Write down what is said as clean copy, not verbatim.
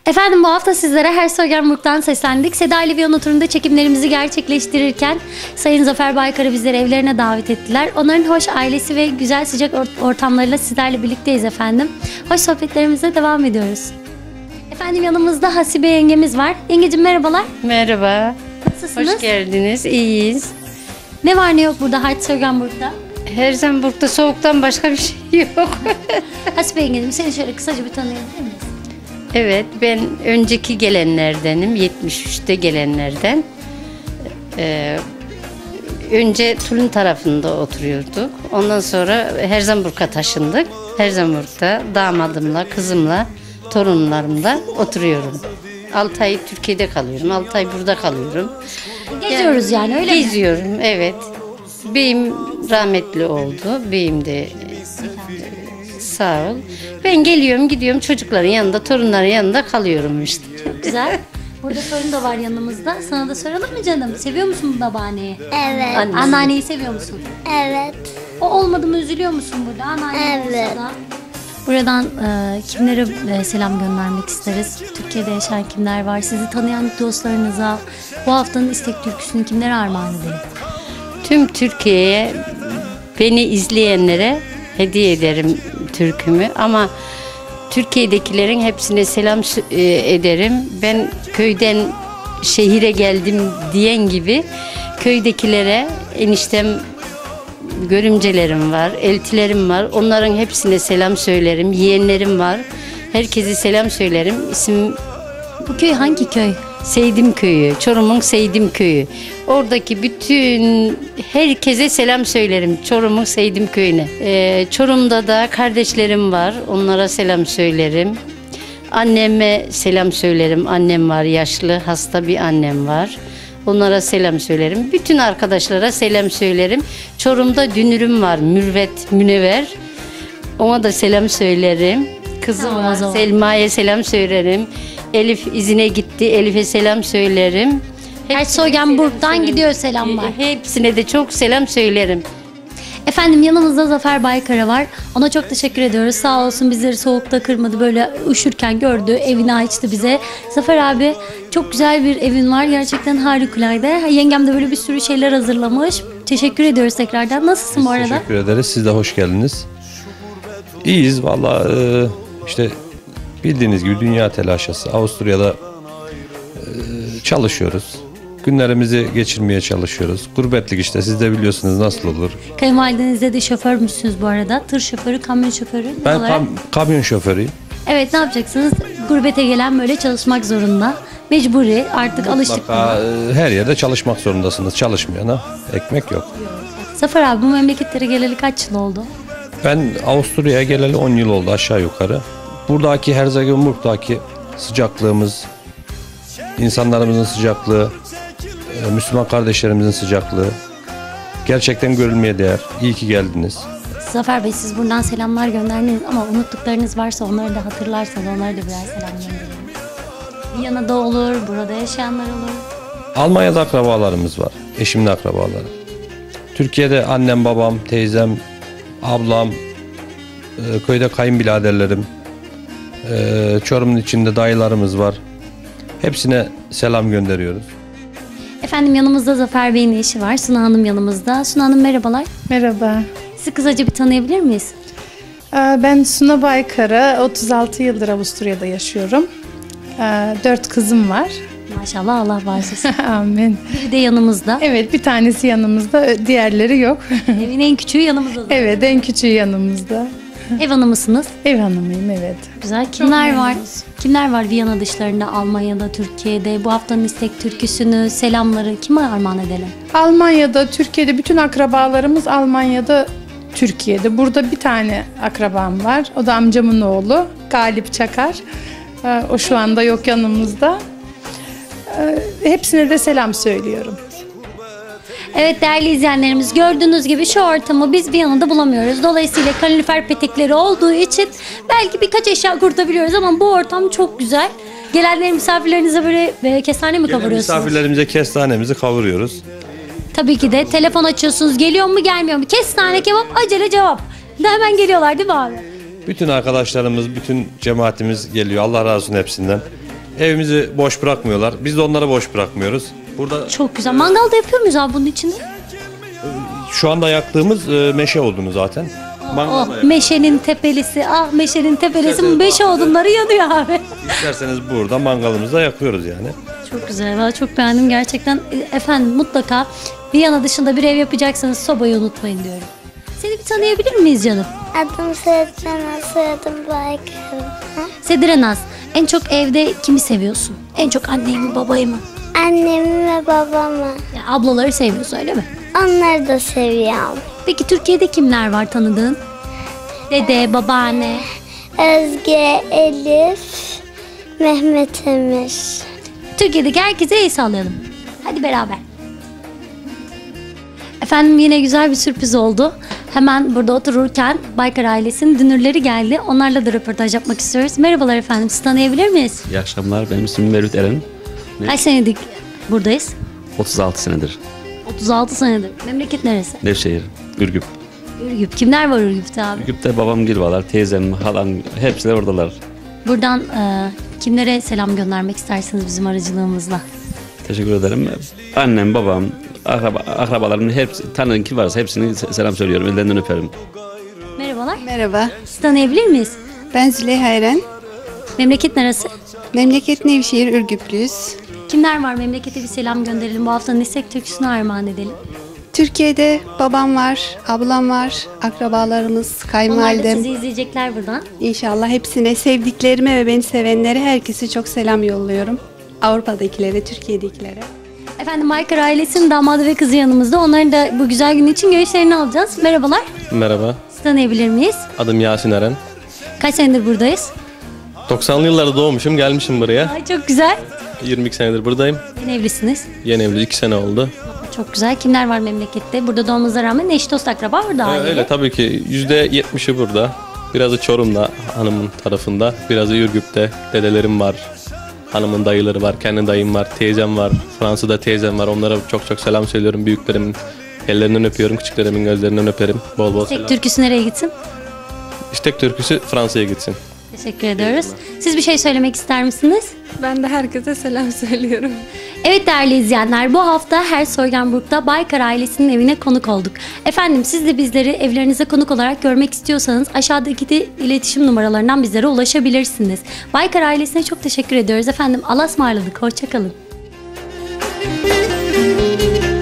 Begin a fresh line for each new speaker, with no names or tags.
Efendim bu hafta sizlere Herzogenburg'dan seslendik. Seda ile Viyana turunda çekimlerimizi gerçekleştirirken Sayın Zafer Baykar'ı bizleri evlerine davet ettiler. Onların hoş ailesi ve güzel sıcak ortamlarıyla sizlerle birlikteyiz efendim. Hoş sohbetlerimize devam ediyoruz. Efendim yanımızda Hasibe yengemiz var. Yengeciğim merhabalar.
Merhaba.
Nasılsınız?
Hoş geldiniz. İyiyiz.
Ne var ne yok burada Herzogenburg'da?
Herzogenburg'da soğuktan başka bir şey yok.
Hasibe yengeciğim seni şöyle kısaca bir tanıyabilir miyiz?
Evet, ben önceki gelenlerdenim. 73'te gelenlerden. Önce Tulum tarafında oturuyorduk. Ondan sonra Herzogenburg'a taşındık. Herzogenburg'da damadımla, kızımla, torunlarımla oturuyorum. 6 ay Türkiye'de kalıyorum. 6 ay burada kalıyorum.
Geziyoruz yani öyle mi?
Geziyorum, evet. Beyim rahmetli oldu. Beyim de sağ ol. Ben geliyorum, gidiyorum çocukların yanında, torunların yanında kalıyorum işte.
Güzel. Burada sorun da var yanımızda. Sana da soralım mı canım? Seviyor musun bu babaanneyi?
Evet.
Anneanneyi seviyor musun?
Evet.
O olmadı mı üzülüyor musun burada? Anneanne
Evet.
olsa da. Buradan kimlere selam göndermek isteriz? Türkiye'de yaşayan kimler var? Sizi tanıyan dostlarınıza bu haftanın istek türküsünü kimlere armağan edelim?
Tüm Türkiye'ye, beni izleyenlere hediye ederim türkümü ama Türkiye'dekilerin hepsine selam ederim. Ben köyden şehire geldim diyen gibi köydekilere eniştem, görümcelerim var, eltilerim var. Onların hepsine selam söylerim. Yeğenlerim var. Herkese selam söylerim. İsim
Bu köy hangi köy?
Seydim Köyü, Çorum'un Seydim Köyü. Oradaki bütün herkese selam söylerim. Çorum'un Seydim Köyü'ne. Çorum'da da kardeşlerim var. Onlara selam söylerim. Anneme selam söylerim. Annem var, yaşlı, hasta bir annem var. Onlara selam söylerim. Bütün arkadaşlara selam söylerim. Çorum'da dünürüm var, Mürvet, Münevver. Ona da selam söylerim. Kızım
Tamam, o
var,
zaman.
Selma'ya selam söylerim. Elif izine gitti, Elif'e selam söylerim.
Herzogenburg'dan gidiyor selamlar.
Hepsine de çok selam söylerim.
Efendim yanımızda Zafer Baykara var. Ona çok teşekkür ediyoruz. Sağ olsun bizleri soğukta kırmadı. Böyle üşürken gördü. Evini açtı bize. Zafer abi çok güzel bir evin var. Gerçekten harikulade. Yengem de böyle bir sürü şeyler hazırlamış. Teşekkür ediyoruz tekrardan. Nasılsın bu arada?
Teşekkür ederiz. Siz de hoş geldiniz. İyiyiz valla işte bildiğiniz gibi dünya telaşesi. Avusturya'da çalışıyoruz. Günlerimizi geçirmeye çalışıyoruz. Gurbetlik işte siz de biliyorsunuz nasıl olur.
Kayınvalidenizde de şoförmüşsünüz bu arada. Tır şoförü, kamyon şoförü. Ne
Ben
olarak?
kamyon şoförüyüm.
Evet ne yapacaksınız? Gurbete gelen böyle çalışmak zorunda. Mecburi artık alıştık.
Mutlaka her yerde çalışmak zorundasınız. Çalışmayana ekmek yok.
Zafer abi bu memleketlere geleli kaç yıl oldu?
Ben Avusturya'ya geleli 10 yıl oldu aşağı yukarı. Buradaki Herzogenburg'daki sıcaklığımız, insanlarımızın sıcaklığı, Müslüman kardeşlerimizin sıcaklığı gerçekten görülmeye değer. İyi ki geldiniz.
Zafer Bey siz buradan selamlar gönderdiniz ama unuttuklarınız varsa onları da hatırlarsanız onlara da birer selam gönderelim. Viyana'da olur, burada yaşayanlar olur.
Almanya'da akrabalarımız var. Eşimin akrabaları. Türkiye'de annem, babam, teyzem, ablam, köyde kayınbiraderlerim, Çorum'un içinde dayılarımız var. Hepsine selam gönderiyoruz.
Efendim yanımızda Zafer Bey'in eşi var. Suna Hanım yanımızda. Suna Hanım merhabalar.
Merhaba.
Sizi kısaca bir tanıyabilir miyiz?
Ben Suna Baykara, 36 yıldır Avusturya'da yaşıyorum. 4 kızım var.
Maşallah Allah bağışlasın.
Amin.
Biri de yanımızda.
Evet, bir tanesi yanımızda, diğerleri yok.
Evin en küçüğü yanımızda.
Evet, en küçüğü yanımızda.
Ev hanımısınız.
Ev hanımıyım, evet.
Güzel. Kimler var?
memnunuz.
Kimler var Viyana dışlarında, Almanya'da, Türkiye'de? Bu haftanın istek türküsünü, selamları kime armağan edelim?
Almanya'da, Türkiye'de bütün akrabalarımız Almanya'da, Türkiye'de. Burada bir tane akrabam var. O da amcamın oğlu, Galip Çakar. O şu anda yok yanımızda. Hepsine de selam söylüyorum.
Evet değerli izleyenlerimiz gördüğünüz gibi şu ortamı biz Viyana'da bulamıyoruz. Dolayısıyla kalorifer petekleri olduğu için belki birkaç eşya kurtabiliyoruz ama bu ortam çok güzel. Gelenlerin misafirlerinize böyle kestane mi
Gelen
kavuruyorsunuz?
misafirlerimize kestanemizi kavuruyoruz.
Tabii ki de telefon açıyorsunuz geliyor mu gelmiyor mu? Kestane kebap acele cevap. Hemen geliyorlar değil mi abi?
Bütün arkadaşlarımız, bütün cemaatimiz geliyor. Allah razı olsun hepsinden. Evimizi boş bırakmıyorlar. Biz de onları boş bırakmıyoruz. Burada
Çok güzel. Mangal da yapıyor muyuz abi bunun içinde?
şu anda yaktığımız meşe odunu zaten. Mangal da
Oh,
yakıyoruz.
meşenin tepelisi. Ah meşenin tepelisi.
İsterseniz
Meşe
bahçede.
odunları yanıyor abi.
İsterseniz burada mangalımızı da yakıyoruz yani.
Çok güzel. Ben çok beğendim gerçekten. Efendim mutlaka Viyana dışında bir ev yapacaksanız sobayı unutmayın diyorum. Seni bir tanıyabilir miyiz canım?
Adım Sedrena, soyadım Baykal.
Sedire Naz, en çok evde kimi seviyorsun? En çok anneyi mi babayı mı?
Annemi ve babamı.
Ya, ablaları seviyorsun öyle mi?
Onları da seviyorum.
Peki Türkiye'de kimler var tanıdığın? Dede, babaanne.
Özge, Elif, Mehmet Emir.
Türkiye'deki herkese el sallayalım. Hadi beraber. Efendim yine güzel bir sürpriz oldu. Hemen burada otururken Baykar ailesinin dünürleri geldi. Onlarla da röportaj yapmak istiyoruz. Merhabalar efendim, sizi tanıyabilir miyiz?
İyi akşamlar. Benim ismim Mevlüt Eren.
Kaç senedir buradayız?
36 senedir.
36 senedir. Memleket neresi?
Nevşehir, Ürgüp.
Ürgüp. Kimler var Ürgüp'te abi?
Ürgüp'te babam girvalar, teyzem, halam hepsi de oradalar.
Buradan kimlere selam göndermek istersiniz bizim aracılığımızla?
Teşekkür ederim. Annem, babam, akrabalarımın hepsi, tanıdığım kim varsa hepsine selam söylüyorum. Ellerinden öperim.
Merhabalar.
Merhaba,
Sizi tanıyabilir miyiz?
ben Züleyha Eren.
Memleket neresi?
Memleket Nevşehir, Ürgüplüyüz.
Kimler var? Memlekete bir selam gönderelim. Bu haftanın istek türküsünü armağan edelim.
Türkiye'de babam var, ablam var, akrabalarımız,
Onlar da
kayınvalidem.
sizi izleyecekler buradan.
İnşallah hepsine, sevdiklerime ve beni sevenlere herkese çok selam yolluyorum. Avrupa'dakilere, Türkiye'dekilere.
Efendim Baykar ailesinin damadı ve kızı yanımızda. Onların da bu güzel gün için görüşlerini alacağız. Merhabalar.
Merhaba,
Sizi tanıyabilir miyiz?
adım Yasin Eren.
Kaç senedir buradayız?
90'lı yıllarda doğmuşum, gelmişim buraya.
Ay çok güzel.
22 senedir buradayım.
Yeni evlisiniz.
Yeni evli 2 sene oldu.
Çok güzel. Kimler var memlekette? Burada doğmanıza rağmen eş dost akraba orada aile.
Öyle tabii ki %70'i burada. Birazı Çorum'da, hanımın tarafında. Birazı Ürgüp'te, dedelerim var. Hanımın dayıları var, kendi dayım var, teyzem var. Fransa'da teyzem var. Onlara çok çok selam söylüyorum. Büyüklerimin ellerinden öpüyorum, küçüklerimin gözlerinden öperim. Bol bol
Tek
selam.
türküsü nereye gitsin?
İstek türküsü Fransa'ya gitsin.
Teşekkür ediyoruz. Siz bir şey söylemek ister misiniz?
Ben de herkese selam söylüyorum.
Evet değerli izleyenler, bu hafta Herzogenburg'da Baykar ailesinin evine konuk olduk. Efendim siz de bizleri evlerinize konuk olarak görmek istiyorsanız aşağıdaki de iletişim numaralarından bizlere ulaşabilirsiniz. Baykar ailesine çok teşekkür ediyoruz efendim. Allah'a ısmarladık. Hoşça kalın.